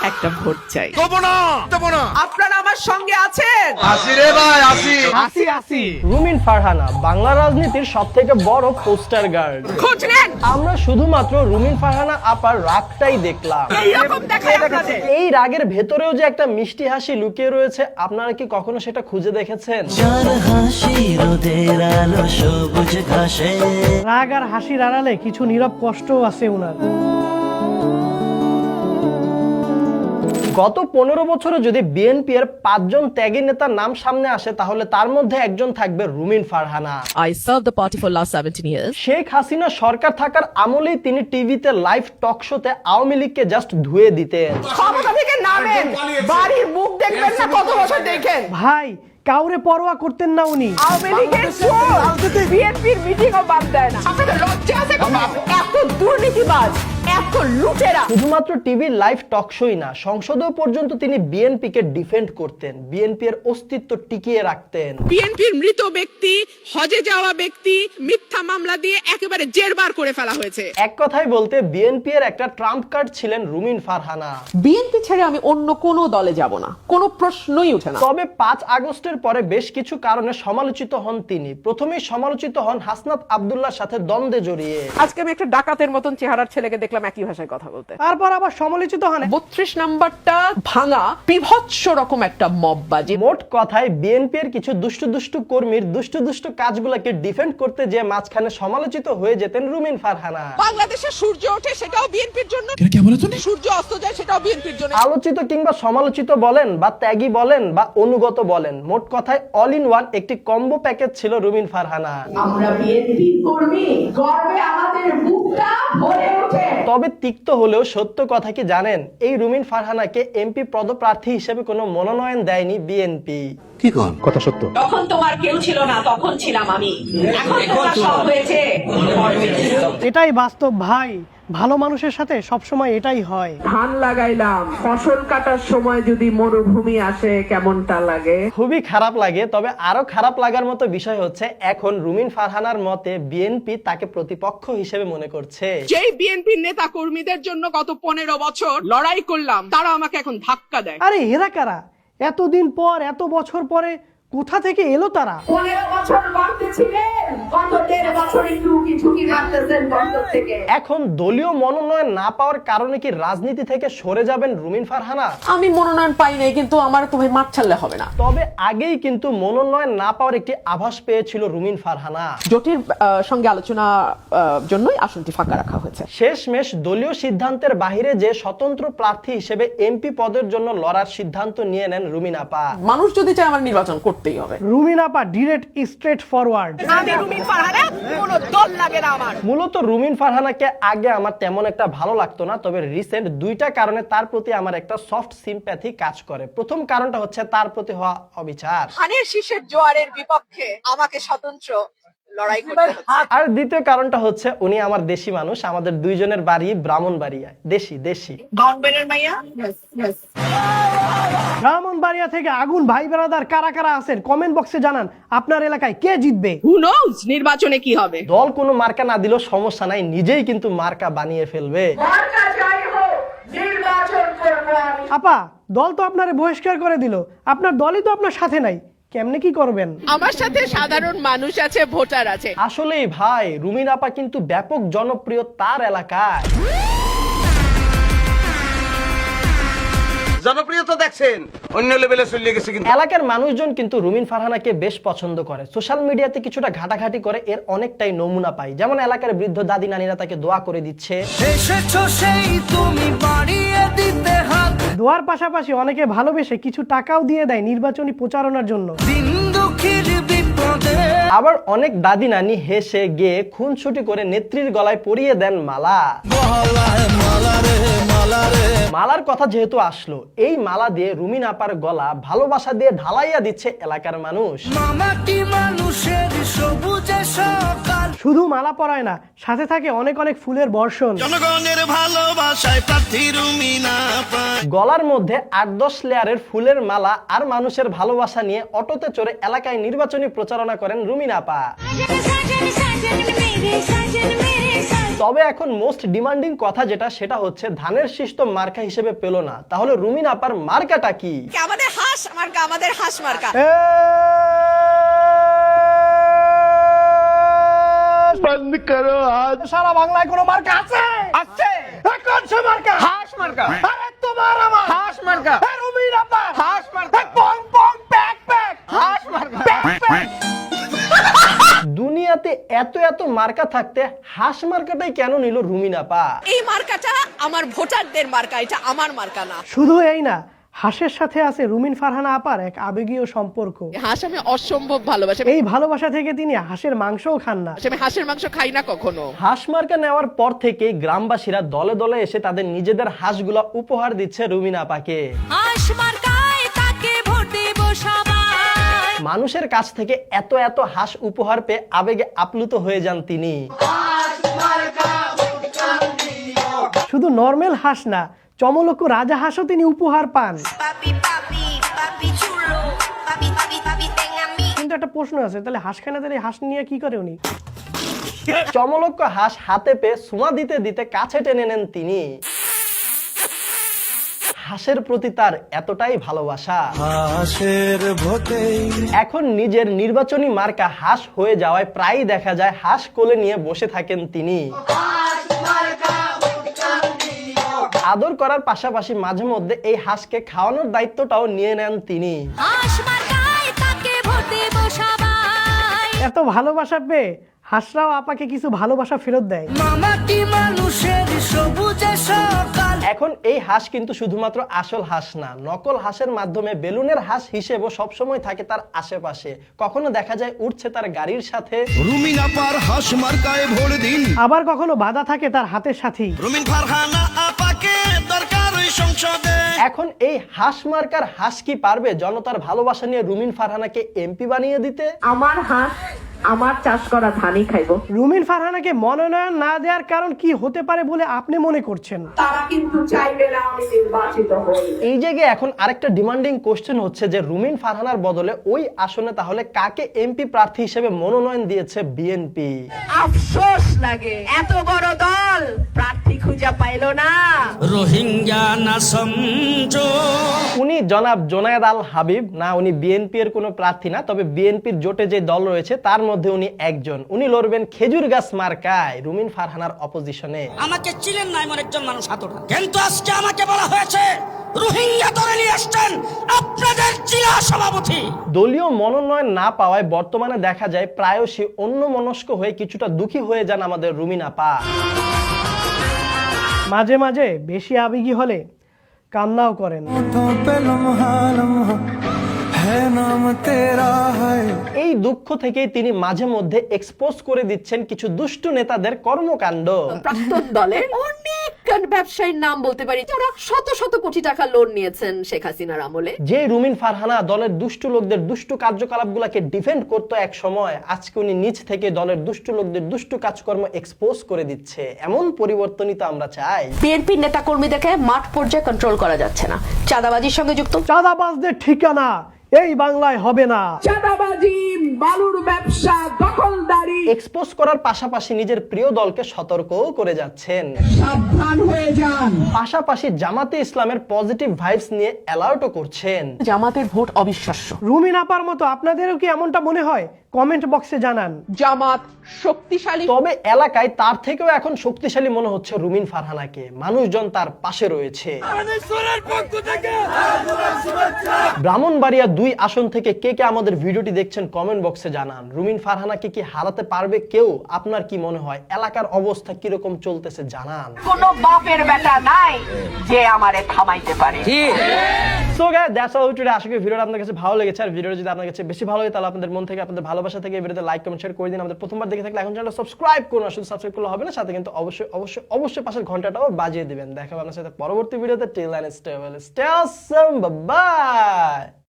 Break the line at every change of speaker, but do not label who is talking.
একটা ভোট চাই।
আপনারা আমার সঙ্গে আছেন?
রুমিন ফারহানা বাংলা রাজনীতির সবথেকে বড় পোস্টার গার্ড।
খোঁজ নেন।
আমরা শুধুমাত্র রুমিন ফারহানা আপার রাগটাই দেখলাম।
এইরকম দেখায় আপনাদের।
এই রাগের ভেতরেও যে একটা মিষ্টি হাসি লুকিয়ে রয়েছে, আপনারা কি কখনো সেটা খুঁজে দেখেছেন?
রাগ আর হাসির আড়ালে কিছু নীরব কষ্টও আছে উনার।
গত 15 বছরে যদি বিএনপি এর 5 জন ত্যাগী নেতার নাম সামনে আসে, তাহলে তার মধ্যে একজন থাকবে রুমিন Farhana.
I served the party for last 17 years.
Sheikh Hasina সরকার থাকার আমলেই তিনি টিভিতে লাইভ টক শোতে আওয়ামী লীগকে জাস্ট ধুয়ে দিতেন।
ক্ষমতা থেকে নামেন, বাড়ির মুখ দেখবেন না, কত বছর দেখেন।
ভাই কাউরে পরোয়া করতেন না উনি।
আওয়ামী লীগের চোর বিএনপির মিটিংও বাদ দেয় না। আপনাদের লজ্জা আছে কোথাও? এত দুর্নীতিবাজ, এত লুটেরা।
শুধুমাত্র টিভি লাইভ টক শোই না, সংসদেও পর্যন্ত তিনি বিএনপিকে ডিফেন্ড করতেন, বিএনপি এর অস্তিত্ব টিকিয়ে রাখতেন।
বিএনপির মৃত ব্যক্তি, হজে যাওয়া ব্যক্তি মিথ্যা মামলা দিয়ে একেবারে জেরবার করে ফেলা হয়েছে।
এক কথায় বলতে বিএনপি এর একটা ট্রাম্প কার্ড ছিলেন রুমিন ফারহানা।
বিএনপি ছেড়ে আমি অন্য কোনো দলে যাব না, কোনো প্রশ্নই ওঠে না।
তবে 5 আগস্টের পরে বেশ কিছু কারণে সমালোচিত হন তিনি। প্রথমেই সমালোচিত হন হাসনাত আব্দুল্লাহর সাথে দ্বন্দ্বে জড়িয়ে।
আজকে আমি একটা ডাকাতের মতন চেহারার ছেলেকে দেখলাম একই ভাষায় কথা বলতে।
তারপর আবার সমালোচিত হন
32 নাম্বারটা ভাঙা বিভৎস রকম একটা মববাজি।
মোট কথায় বিএনপি এর কিছু দুষ্টু কর্মীর দুষ্টু কাজগুলোকে ডিফেন্ড করতে যে মাঝখানে সমালোচিত হয়ে যেতেন রুমিন ফারহানা।
বাংলাদেশে সূর্য ওঠে সেটাও বিএনপির জন্য, সূর্য অস্ত যায় সেটাও বিএনপির জন্য।
আলোচিত কিংবা সমালোচিত বলেন বা ত্যাগী বলেন বা অনুগত বলেন, মোট কথায় অল ইন ওয়ান একটি কম্বো প্যাকেজ ছিল রুমিন ফারহানা।
আমরা বিএনপি কর্মী, গর্বে আমাদের বুকটা ভরে ওঠে।
তবে তিক্ত হলেও সত্য কথা কি জানেন, এই রুমিন ফারহানাকে এমপি পদপ্রার্থী হিসেবে কোনো মনোনয়ন দেয়নি বিএনপি।
তখন তোমার কেউ ছিল না, তখন ছিলাম আমি। এখন তোমার সব হয়েছে।
এটাই বাস্তব ভাই, ভালো মানুষের সাথে সবসময় এটাই হয়।
ধান লাগাইলাম, ফসল কাটার সময় যদি মরুভূমি আসে কেমনটা লাগে?
খুবই খারাপ লাগে। তবে আরো খারাপ লাগার মতো বিষয় হচ্ছে, এখন রুমিন ফারহানার মতে বিএনপি তাকে প্রতিপক্ষ হিসেবে মনে করছে।
যেই বিএনপির নেতা কর্মীদের জন্য গত 15 বছর লড়াই করলাম, তারা আমাকে এখন ধাক্কা দেয়।
আরে এরা কারা? এতদিন পর, এত বছর পরে কোথা থেকে এলো তারা?
15 বছর গর্তে ছিলেন, গত 1.5 বছর একটু ঝুঁকি মারতেছেন গর্ত থেকে।
এখন দলীয় মনোনয়ন না পাওয়ার কারণে কি রাজনীতি থেকে সরে যাবেন রুমিন ফারহানা?
আমি মনোনয়ন পাই নাই, কিন্তু আমার তো ভাই মাঠ ছাড়লে হবে না।
তবে আগেই কিন্তু মনোনয়ন না পাওয়ার একটি আভাস পেয়েছিল রুমিন ফারহানা।
জোটের সঙ্গে আলোচনা জন্যই আসনটি ফাঁকা রাখা হয়েছে।
শেষমেশ দলীয় সিদ্ধান্তের বাইরে যে স্বতন্ত্র প্রার্থী হিসেবে এমপি পদের জন্য লড়ার সিদ্ধান্ত নিয়ে নেন রুমিন আপা।
মানুষ যদি চায় আমার নির্বাচন করতেই হবে।
রুমিন আপা ডিরেক্ট স্ট্রেট ফরওয়ার্ড।
আমি রুমিন ফারহানা, কোনো দল লাগে না আমার।
মূলত রুমিন ফারহানাকে আগে আমার তেমন একটা ভালো লাগতো না, তবে রিসেন্ট 2টা কারণে তার প্রতি আমার একটা সফট সিম্প্যাথি কাজ করে। প্রথম কারণটা হচ্ছে তার প্রতি হওয়া অবিচার,
ধানের শীষের জোয়ারের বিপক্ষে আমাকে স্বতন্ত্র লড়াই করতে হচ্ছে।
আর দ্বিতীয় কারণটা হচ্ছে উনি আমার দেশি মানুষ, আমাদের দুইজনের বাড়ি ব্রাহ্মণবাড়িয়ায়। দেশি
গাউনবেনের মাইয়া।
ব্রাহ্মণবাড়িয়া থেকে আগুন ভাই ব্রাদার কারা কারা আছেন কমেন্ট বক্সে জানান আপনার এলাকায় কে জিতবে।
হু নোজ নির্বাচনে কি হবে।
দল কোনো মার্কা না দিলেও সমস্যা নাই, নিজেই কিন্তু মার্কা বানিয়ে ফেলবে।
মার্কা যাই হোক, নির্বাচন করব আমি।
আপা দল তো আপনারে বহিষ্কার করে দিল, আপনার দলই তো আপনার সাথে নাই, কেমনে কি করবেন?
আমার সাথে সাধারণ মানুষ আছে, ভোটার আছে।
আসলেই ভাই, রুমিন আপা কিন্তু ব্যাপক জনপ্রিয় তার এলাকায়।
জনপ্রিয়তা দেখছেন অন্য লেভেলে চলে গেছে। কিন্তু
এলাকার মানুষজন কিন্তু রুমিন ফারহানাকে বেশ পছন্দ করে। সোশ্যাল মিডিয়াতে কিছুটা ঘাটাঘাটি করে এর অনেকটাই নমুনা পাই। যেমন এলাকার বৃদ্ধ দাদি নানিরা তাকে দোয়া করে দিচ্ছে।
দোয়ার পাশাপাশি অনেকে ভালোবেসে কিছু টাকাও দিয়ে দেয় নির্বাচনী প্রচারণার জন্য।
আবার অনেক দাদি নানি হেসে গিয়ে খুনসুটি করে নেত্রীর গলায় পরিয়ে দেন মালা। মালার কথা যেহেতু আসলো, এই মালা দিয়ে রুমিন আপার গলা ভালোবাসা দিয়ে ঢালাইয়া দিচ্ছে এলাকার মানুষ।
শুধু মালা পরায় না, সাথে থাকে অনেক অনেক ফুলের বর্ষণ।
গলার মধ্যে 8-10 লেয়ারের ফুলের মালা আর মানুষের ভালোবাসা নিয়ে অটোতে চড়ে এলাকায় নির্বাচনী প্রচারণা করেন রুমিন আপা। তবে এখন মোস্ট ডিমান্ডিং কথা যেটা, সেটা হচ্ছে ধানের শীষ তো মার্কা হিসেবে পেল না, তাহলে রুমিন আপার মার্কাটা কি?
আমাদের হাঁস মার্কা, আমাদের হাঁস মার্কা।
বন্ধ করো আজ। সারা বাংলায় কোনো মার্কা আছে? আছে। কোন সে মার্কা?
হাঁস মার্কা।
আরে তোমার আমার
হাঁস মার্কা।
রুমিন আপা
হাঁস মার্কা।
পং পং প্যাক প্যাক
হাঁস মার্কা।
দুনিয়াতে এত এত মার্কা থাকতে হাঁস মার্কাটাই কেন নিল রুমিন আপা?
এই মার্কাটা আমার ভোটারদের মার্কা, এটা আমার মার্কা না।
শুধু এই না, হাঁসের সাথে আছে রুমিন ফারহানা আপার এক আবেগীয় সম্পর্ক।
হাঁস আমি অসম্ভব ভালোবাসি,
এই ভালোবাসা থেকে তিনি হাঁসের মাংসও খান না।
আমি হাঁসের মাংস খাই না কখনো।
হাঁস মার্কা নেওয়ার পর থেকে গ্রামবাসীরা দলে দলে এসে তাদের নিজেদের হাঁসগুলা উপহার দিচ্ছে রুমিন আপাকে।
হাঁস মার্কায় তাকে ভোট দেব সবাই।
মানুষের কাছ থেকে এত এত হাঁস উপহার পেয়ে আবেগে আপ্লুত হয়ে যান তিনি।
শুধু নরমাল হাঁস না, চমলক্ষ রাজা হাঁসও তিনি উপহার পান। কিন্তু একটা প্রশ্ন আছে, তাহলে হাঁস খায় না, তাহলে হাঁস নিয়ে কি করে উনি?
চমলক্ষ হাঁস হাতে পেয়ে সুমা দিতে দিতে কাছে টেনে নেন তিনি। হাঁসের প্রতি তার এতটাই ভালোবাসা, এখন নিজের নির্বাচনী মার্কা হাঁস হয়ে যাওয়ায় প্রায়ই দেখা যায় হাঁস কোলে নিয়ে বসে থাকেন তিনি। আদর করার পাশাপাশি মাঝে মধ্যে এই হাঁসকে খাওয়ানোর দায়িত্বটাও নিয়ে নেন তিনি।
এত ভালোবাসা পেয়ে হাঁসরাও আপাকে কিছু ভালোবাসা ফেরত দেয়।
এখন এই হাঁস কিন্তু শুধুমাত্র আসল হাঁস না, নকল হাঁসের মাধ্যমে বেলুনের হাঁস হিসেবেও সবসময় থাকে তার আশেপাশে। কখনো দেখা যায় উঠছে তার গাড়ির সাথে,
রুমিন আপার হাঁস মার্কায় ভোট দিন।
আবার কখনো বাধা থাকে তার হাতের সাথেই।
রুমিন ফারহানা আপাকে দরকার ওই সংসদে।
এখন এই হাঁস মার্কার হাঁস কি পারবে জনতার ভালোবাসা নিয়ে রুমিন ফারহানাকে এমপি বানিয়ে দিতে?
আমার হাঁস আমার চাষ করা ধানই খাইবো।
রুমিন ফারহানাকে মনোনয়ন না দেওয়ার কারণ কি হতে পারে বলে আপনি মনে করছেন?
তারা কিন্তু চাইবে না আমি নির্বাচিত হই।
এই জায়গায় এখন আরেকটা ডিমান্ডিং কোশ্চেন হচ্ছে যে রুমিন ফারহানার বদলে ওই আসনে তাহলে কাকে এমপি প্রার্থী হিসেবে মনোনয়ন দিয়েছে বিএনপি?
আফসোস লাগে, এত বড় দল প্রার্থী খুঁজে পাইলো না।
রোহিঙ্গা না সমঝো।
উনি জনাব জোনায়েদ আল হাবিব না, উনি বিএনপি এর কোনো প্রার্থী না, তবে বিএনপির জোটে যে দল রয়েছে তার মধ্যে উনি একজন। উনি লড়বেন খেজুর গাছ মার্কায় রুমিন ফারহানার অপোজিশনে।
আমাকে চিনেন না এমন একজন মানুষ হাতটা, কিন্তু আজকে আমাকে বলা হয়েছে রোহিঙ্গা ধরে নিয়ে আসছেন আপনাদের জেলা সভাপতি।
দলীয় মনোনয়ন না পাওয়ায় বর্তমানে দেখা যায় প্রায়শই অন্যমনস্ক হয়ে কিছুটা দুঃখী হয়ে যান আমাদের রুমিন আপা।
মাঝে মাঝে বেশি আবেগী হলে কান্নাও করেন। এই দুঃখ থেকেই তিনি মাঝে মধ্যে এক্সপোজ করে দিচ্ছেন কিছু দুষ্ট নেতাদের কর্মকাণ্ড।
প্রাক্তন দলের অনেক ব্যবসায়ীর নাম বলতে পারি যারা শত শত কোটি টাকা লোন নিয়েছেন শেখ হাসিনার আমলে।
যে রুমিন ফারহানা দলের দুষ্ট লোকদের দুষ্ট কার্যকলাপগুলোকে ডিফেন্ড করতো এক সময়, আজকে উনি নিজ থেকে দলের দুষ্ট লোকদের দুষ্ট কাজকর্ম এক্সপোজ করে দিচ্ছে। এমন পরিবর্তনই তো আমরা চাই।
বিএনপির নেতা কর্মীদেরকে মাঠ পর্যায়ে কন্ট্রোল করা যাচ্ছে না, চাঁদাবাজির সঙ্গে যুক্ত।
চাঁদাবাজদের ঠিকানা এই বাংলায় হবে না।
চাঁদাবাজি, বালুর ব্যবসা, দখলদারি
এক্সপোজ করার পাশাপাশি নিজের প্রিয় দলকে সতর্কও করে যাচ্ছেন।
সাবধান হয়ে যান।
পাশাপাশি জামাতে ইসলামের পজিটিভ ভাইবস নিয়ে অ্যালার্টও করছেন।
জামাতের ভোট অবিশ্বাস্য।
রুমিন আপার মতো আপনাদেরও কি এমনটা মনে হয়? কমেন্ট বক্সে জানান।
জামাত শক্তিশালী,
তবে এলাকায় তার থেকেও এখন শক্তিশালী মনে হচ্ছে রুমিন ফারহানাকে। মানুষজন তার পাশে রয়েছে। ব্রাহ্মণবাড়িয়া 2 আসন থেকে কে কে আমাদের ভিডিওটি দেখছেন কমেন্ট বক্সে জানান। রুমিন ফারহানাকে কি হারাতে পারবে কেউ? আপনার কি মনে হয়? এলাকার অবস্থা কিরকম চলতেছে জানান।
কোনো বাপের বেটা নাই যে আমারে থামাইতে পারে।
So guys, that's all today. আশা করি ভিডিওটা আপনাদের কাছে ভালো লেগেছে। আর ভিডিওটা যদি আপনাদের কাছে বেশি ভালো লাগে তাহলে আপনাদের মন থেকে, আপনাদের ভালোবাসা থেকে এই ভিডিওতে লাইক কমেন্ট শেয়ার করে দিন। আমাদের প্রথমবার দেখে থাকলে এখন চ্যানেলটা সাবস্ক্রাইব করুন। শুধু সাবস্ক্রাইব করলে হবে না, সাথে কিন্তু অবশ্যই অবশ্যই অবশ্যই পাশের ঘন্টাটাও বাজিয়ে দিবেন। দেখা হবে আপনার সাথে পরবর্তী ভিডিওতে। Till then stay well, stay awesome, bye by.